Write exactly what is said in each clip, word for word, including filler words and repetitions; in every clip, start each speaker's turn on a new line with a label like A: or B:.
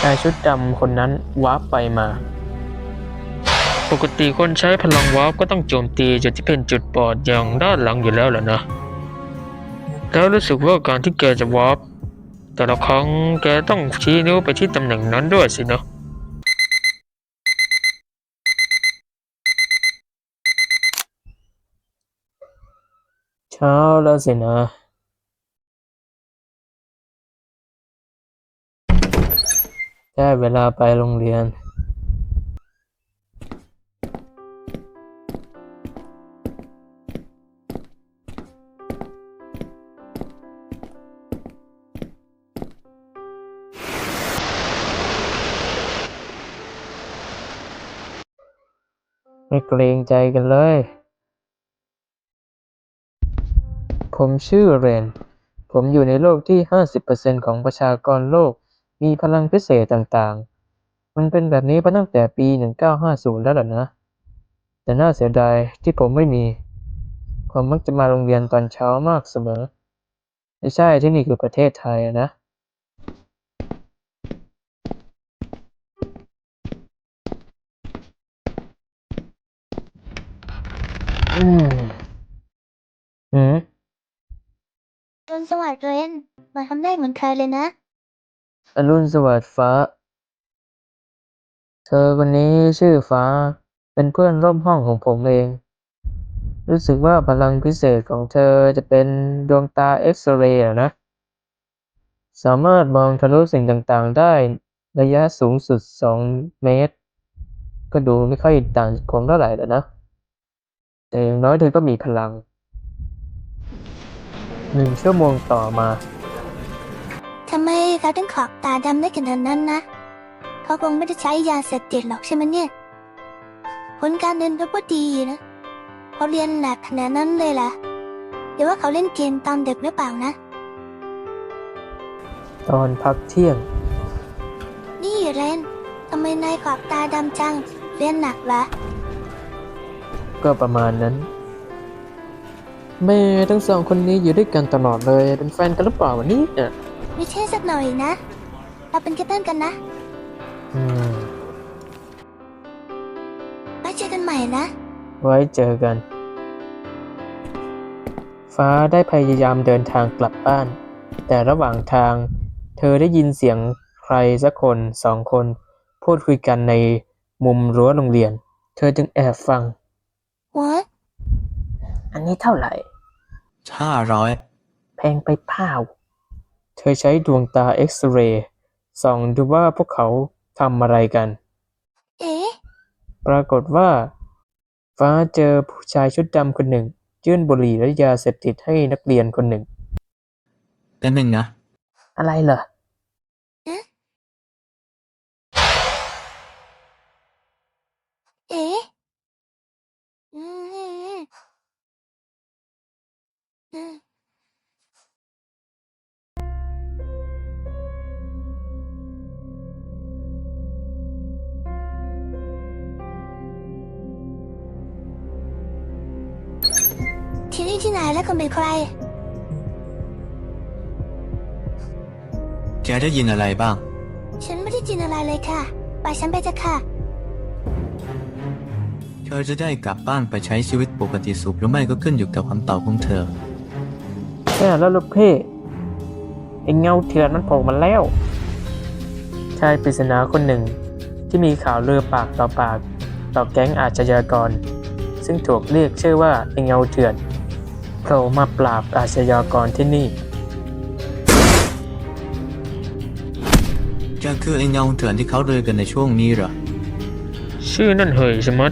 A: ายชุดดำคนนั้นวาร์ปไปมาปกติคนใช้พลังวาร์ปก็ต้องโจมตีจุดที่เป็นจุดบอดอย่างด้านหลังอยู่แล้วแหละนะแล้วรู้สึกว่าการที่แกจะวาร์ปแต่ละครั้งแกต้องชี้นิ้วไปที่ตำแหน่งนั้นด้วยสินะเช้าแล้วสินะได้เวลาไปโรงเรียนไม่เกรงใจกันเลยผมชื่อเรนผมอยู่ในโลกที่ ห้าสิบเปอร์เซ็นต์ ของประชากรโลกมีพลังพิเศษต่างๆมันเป็นแบบนี้มาตั้งแต่ปี หนึ่งเก้าห้าศูนย์ แล้วล่ะนะแต่น่าเสียดายที่ผมไม่มีผมมักจะมาโรงเรียนตอนเช้ามากเสมอไม่ใช่ที่นี่คือประเทศไทยนะอืมหืม
B: อรุณสวัสดิ์เรนมาทำได้เหมือนใครเลยนะ
A: อรุณสวัสดิ์ฟ้าเธอคนนี้ชื่อฟ้าเป็นเพื่อนร่วมห้องของผมเองรู้สึกว่าพลังพิเศษของเธอจะเป็นดวงตาเอ็กซเรย์นะสามารถมองทะลุสิ่งต่างๆได้ระยะสูงสุดสองเมตรก็ดูไม่ค่อยต่างจากผมเท่าไหร่แล้วนะแต่อย่างน้อยเธอก็มีพลังหนึ่งชั่วโมงต่อมา
B: ทำไมเขาถึงขอบตาดำได้ขนาดนั้นนะเขาคงไม่ได้ใช้ยาเสพติดหรอกใช่ไหมเนี่ยผลการเรียนเขาก็ดีนะเขาเรียนหนักขนาดนั้นเลยล่ะเดี๋ยวว่าเขาเล่นเกมตอนเด็กหรือเปล่านะ
A: ตอนพักเที่ยง
B: นี่เรนทำไมนายขอบตาดำจังเรียนหนักเหรอ
A: ก็ประมาณนั้นแม่ทั้งสองคนนี้อยู่ด้วยกันตลอดเลยเป็นแฟนกันหรือเปล่าวันนี้เนี่ย
B: ไม่ใช่สักหน่อยนะเราเป็นแค่เพื่อนกันนะ
A: อืม
B: ไว้เจอกันใหม่นะ
A: ไว้เจอกันฟ้าได้พยายามเดินทางกลับบ้านแต่ระหว่างทางเธอได้ยินเสียงใครสักคนสองคนพูดคุยกันในมุมรั้วโรงเรียนเธอจึงแอบฟัง
B: What
A: อันนี้เท่าไหร่
C: ห้าร้อย
A: แพงไปเปล่าเธอใช้ดวงตาเอ็กซเรย์ส่องดูว่าพวกเขาทำอะไรกัน
B: เอ๊ะ
A: ปรากฏว่าฟ้าเจอผู้ชายชุดดำคนหนึ่งยื่นบุหรี่และยาเสพติดให้นักเรียนคนหนึ่ง
C: แต่หนึ่งนะ
A: อะไรเหรอ
B: เอ๊ะเอ๊ะอืมอืมที่นี่ที่ไหนและคุณเป็นใคร
C: แกได้ยินอะไรบ้าง
B: ฉันไม่ได้ยินอะไรเลยค่ะไปฉันไปจะค่ะ
C: เธอจะได้กลับบ้านไปใช้ชีวิตปกติสุขหรือไม่ก็ขึ้นอยู่กับคำตอบของเธอ
A: แค่แล้วลูกพี่ไอ้เงาเถื่อนมันโผล่มาแล้วชายปริศนาคนหนึ่งที่มีข่าวลือปากต่อปากต่อแก๊งอาชญากรซึ่งถูกเรียกชื่อว่าไอ้เงาเถื่อนโผล่มาปราบอาชญากรที่นี่
C: แกคือไอ้เงาเถื่อนที่เขาเรือกันในช่วงนี้เหรอ
A: ชื่อนั่นเหยชะมัด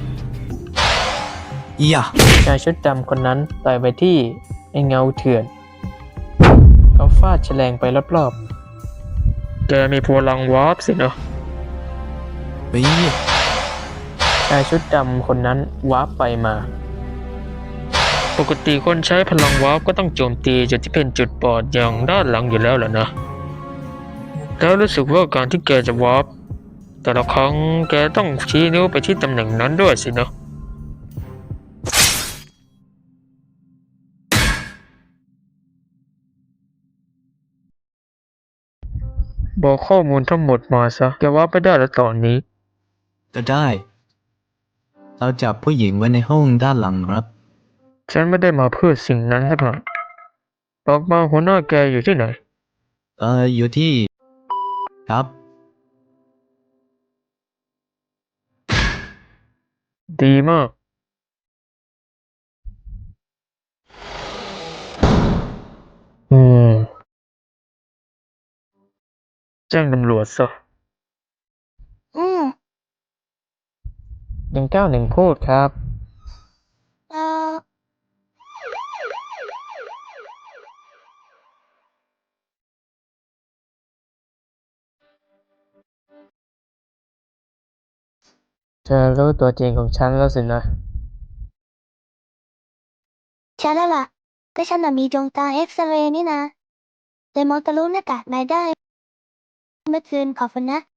C: อียะ
A: ชายชุดดำคนนั้นต่อยไปที่ไอ้เงาเถื่อนเขาฟาดแฉลงไปรอบๆแกมีพลังวาร์ปสินะ
C: ปี
A: ชายชุดดำคนนั้นวาร์ปไปมาปกติคนใช้พลังวาร์ปก็ต้องโจมตีจุดที่เป็นจุดบอดอย่างด้านหลังอยู่แล้วแหละนะแล้วรู้สึกว่าการที่แกจะวาร์ปแต่ละครั้งแกต้องชี้นิ้วไปที่ตำแหน่งนั้นด้วยสินะบอกข้อมูลทั้งหมดมาซะแกว่าไปได้แล้วตอนนี้
C: ก็ได้ เราจับผู้หญิงไว้ในห้องด้านหลังครับ
A: ฉันไม่ได้มาเพื่อสิ่งนั้นสักหน่อยบอกมาหัวหน้าแกอยู่ที่ไหน
C: เอออยู่ที่ ครับ
A: ดีมาก อืม แจ้งตำรวจซะ
B: อืม
A: หนึ่งเก้าหนึ่งพูดครับ
B: เออ
A: เธอรู้ตัวจริงของฉันแล้วสินะ
B: ใช่แล้วล่ะก็ฉันน่ะมีดวงตาเอ็กซเรย์นี่นะเลยมองทะลุหน้ากากนายได้เมื่อคืนขอบคุณนะ